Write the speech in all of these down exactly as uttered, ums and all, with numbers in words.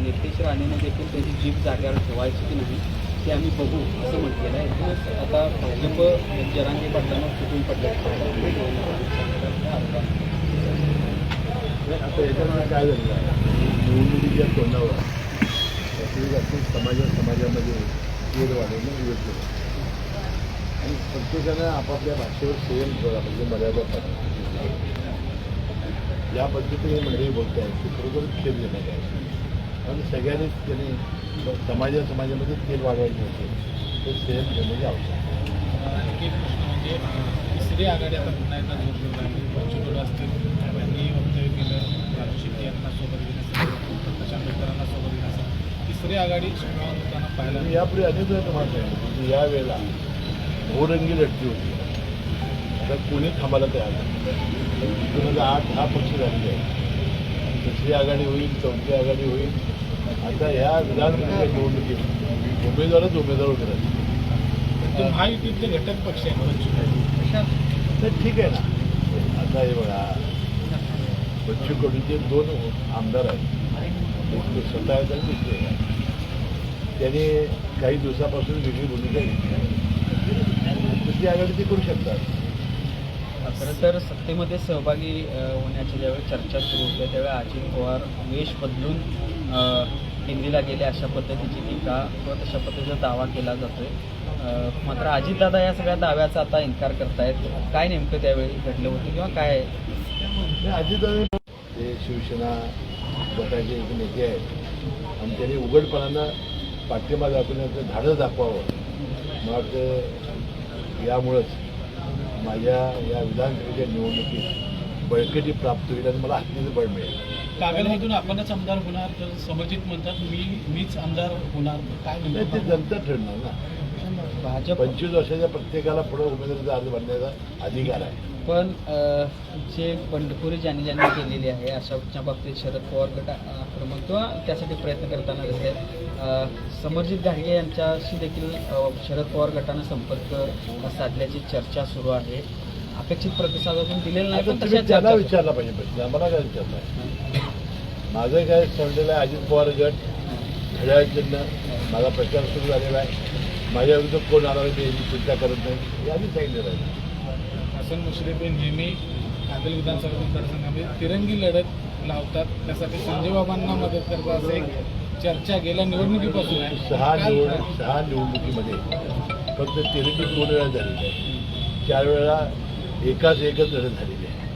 नितेश राणेने देखील त्याची जीभ जाग्यावर ठेवायची की नाही ते आम्ही बघू असं म्हटलेलं आहे. एकूणच आता भाजप जरांगे पाटलांना फुटून पडले. आता याच्यामुळे काय झालेलं आहे, निवडणुकीच्या तोंडावर समाजा समाजामध्ये तेल वाढवणं योग्य आहे आणि प्रत्येकानं आपापल्या भाषेवर संयम ठेवला म्हणजे मर्यादा पाहिजे. या पद्धतीने मंडळी बोलत आहेत ते खरोखर खेळ देण्यात आहे आणि सगळ्यांनीच त्यांनी समाजा समाजामध्ये तेल वाढवायचे होते ते संयम ठेवण्याची आवश्यकता आहे. एक प्रश्न म्हणजे तिसरी आघाडी आता पुन्हा एकदा जोर धरला आहे. पंचकुला असतील त्यांनी वक्तव्य केलं, राजू शेट्टी यांना सोबत घेण्यासाठी, प्रशांत मित्रांना सोबत घेण्यासाठी तिसरी आघाडी श्रीमान होताना पाहायला आणि यापुढे अनेक वेळा तुम्हाला सांगितलं की यावेळेला बहुरंगी लढती होती. आता कोणी थांबायला तयार नाही. दोन हजार आठ दहा पक्ष झालेले आहेत. तिसरी आघाडी होईल, चौथी आघाडी होईल. आता ह्या विधानसभेच्या निवडणुकीत उमेदवारच उमेदवार उभे राहतील. महायुतीतले घटक पक्ष आहेत पंचकुला, तर ठीक आहे ना. आता हे बघा, बच्चू कडूचे दोन आमदार आहेत, एक स्वतः आहेत आणि दुसरे आहेत. त्यांनी काही दिवसापासून वेगळी भूमिका घेतली. दुसरी आघाडी ते करू शकतात. खरं तर सत्तेमध्ये सहभागी होण्याच्या ज्यावेळी चर्चा सुरू होते त्यावेळी अजित पवार वेश बदलून दिल्लीला गेले अशा पद्धतीची टीका किंवा तशा पद्धतीचा दावा केला जातोय. मात्र अजितदादा या सगळ्या दाव्याचा आता इन्कार करतायत. काय नेमकं त्यावेळी घडलं होतं किंवा काय? अजितदादा ते शिवसेना गटाचे एक नेते आहेत आणि त्यांनी उघडपणानं पाठिंबा दाखवण्याचं धाडस दाखवावं. मला वाटतं यामुळंच माझ्या या विधानसभेच्या निवडणुकीत बळकटी प्राप्त होईल आणि मला हत्तीचं बळ मिळेल. कागलमधून आपणच आमदार होणार तर समर्जित म्हणतात मी मीच आमदार होणार, काय नाही, ते जनता ठरणार ना. भाजप पंचवीस वर्षाच्या प्रत्येकाला पुढे उमेदवारीचा अर्ज भरण्याचा अधिकार आहे. पण जे बंडखोरी ज्यांनी ज्यांनी केलेली आहे अशाच्या बाबतीत शरद पवार गट आक्रमक किंवा त्यासाठी प्रयत्न करताना दिसत आहेत. समरजित घाडगे यांच्याशी देखील शरद पवार गटानं संपर्क साधल्याची चर्चा सुरू आहे. अपेक्षित प्रतिसाद अजून दिलेला नाही, पण तशा त्याला चर्चा विचारला पाहिजे प्रश्न, आम्हाला काय विचारला आहे. माझं काय समजलेलं आहे, अजित पवार गट घड्याळचिन्ह माझा प्रचार सुरू झालेला आहे. माझ्या विरुद्ध कोण आला मी याची चिंता करत नाही, याने सांगितलेलं आहे. हसन मुश्रीफ हे नेहमी कागल विधानसभा मतदारसंघामध्ये तिरंगी लढत लावतात, त्यासाठी संजय बाबांना मदत करतात असं एक चर्चा गेल्या निवडणुकीपासून आहे. सहा निवडणूक सहा निवडणुकीमध्ये फक्त तिरंगी दोन वेळा झालेली आहे, चार वेळा एकाच एकच लढत झालेली आहे.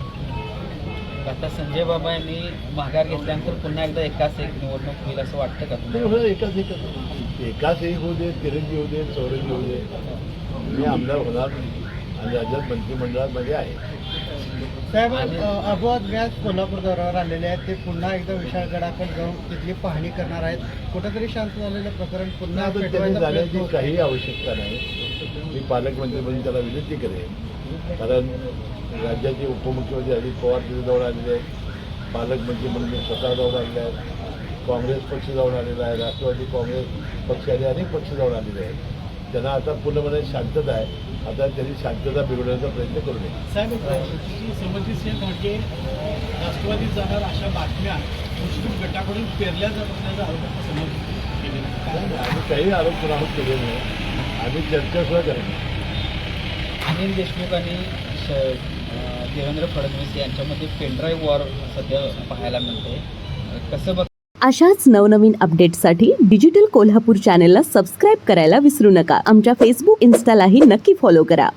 आता संजय बाबा यांनी माघार घेतल्यानंतर पुन्हा एकदा एकाच एक निवडणूक होईल असं वाटतं का ते तुम्हाला? होणार एकाच एकच एकाच एक होऊ दे, तिरंगी होऊ दे, चौरंगी होऊ दे, मी आमदार होणार आणि राज्यात मंत्रिमंडळामध्ये आहे. साहेब, अबोध व्यास कोल्हापूर दौऱ्यावर आलेले आहेत. ते पुन्हा एकदा विशाळगडाकडे जाऊन तिथली पाहणी करणार आहेत. कुठंतरी शांत झालेलं प्रकरण पुन्हा आता त्यांनी पेटवायचा जाण्याची प्रयत्न होतो. काही आवश्यकता नाही. मी पालकमंत्री म्हणून त्याला विनंती करेन, कारण राज्याचे उपमुख्यमंत्री अजित पवार तिथे जाऊन आलेले आहेत. पालकमंत्री म्हणून मी स्वतः जाऊन आलेले आहेत. काँग्रेस पक्ष जाऊन आलेला आहे, राष्ट्रवादी काँग्रेस पक्ष आणि अनेक पक्ष जाऊन आलेले आहेत. त्यांना आता पूर्णपणे शांतता आहे. आता त्यांनी शांतता बिघडवण्याचा प्रयत्न करू नये. साहेब, समर्जित सिंह घाटगे राष्ट्रवादीत जाणार अशा बातम्या मुस्लिम गटाकडून पेरल्या जात असल्याचा आरोप समर्जित केलेला. आम्ही काही आरोप कुणावर केले नाही, आम्ही चर्चा सुद्धा करत नाही. अनिल देशमुख आणि श देवेंद्र फडणवीस यांच्यामध्ये पेनड्राईव्ह वॉर सध्या पाहायला मिळते. कसं बघ अशाच नवनवीन अपडेट्ससाठी डिजिटल कोल्हापूर चॅनेलला सबस्क्राईब करायला विसरू नका. आमच्या फेसबुक, इन्स्टालाही नक्की फॉलो करा.